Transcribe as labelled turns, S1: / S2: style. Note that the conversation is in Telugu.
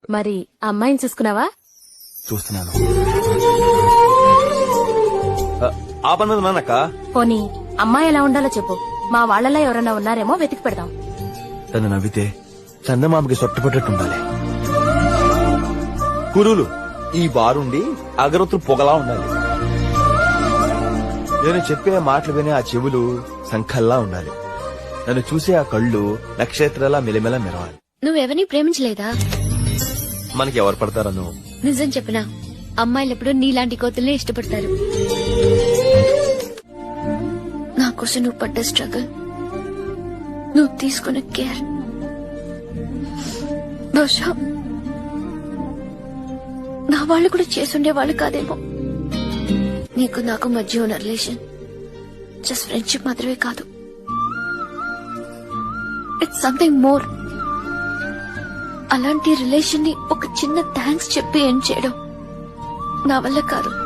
S1: మరి అమ్మాయిని చూసుకున్నావా?
S2: చూస్తున్నాను. ఆ పన్నది నాన్నక్క.
S1: పోనీ అమ్మాయి ఎలా ఉండాలో చెప్పు, మా వాళ్ళలా ఎవరైనా ఉన్నారేమో వెతికి పెడదాం.
S2: తను నవ్వితే చందమామకి సొట్టపట్టట్టు ఉండాలి. కురులు ఈ బారుండి అగరొత్తులు పొగలా ఉండాలి. నేను చెప్పే మాటలు వినే ఆ చెవులు సంఖల్లా ఉండాలి. నన్ను చూసే ఆ కళ్ళు నక్షత్రాల మెలిమెల మెరవాలి.
S3: నువ్వెవరిని ప్రేమించలేదా?
S2: మనకి ఎవరు పడతారను?
S3: నిజం చెప్పనా, అమ్మాయిలెప్పుడు నీలాంటి కోతుల్నే ఇష్టపడతారు. నా కోసం నువ్వు పడ్డ స్ట్రగుల్, నువ్వు తీసుకున్న కేర్, బహుశా నా వాళ్ళు కూడా చేసుండే వాళ్ళు కాదేమో. నీకు నాకు మధ్య ఉన్న రిలేషన్ జస్ట్ ఫ్రెండ్షిప్ మాత్రమే కాదు, ఇట్స్ సంథింగ్ మోర్. అలాంటి రిలేషన్ ని ఒక చిన్న థ్యాంక్స్ చెప్పి ఏం చేయడం నా వల్ల కాదు.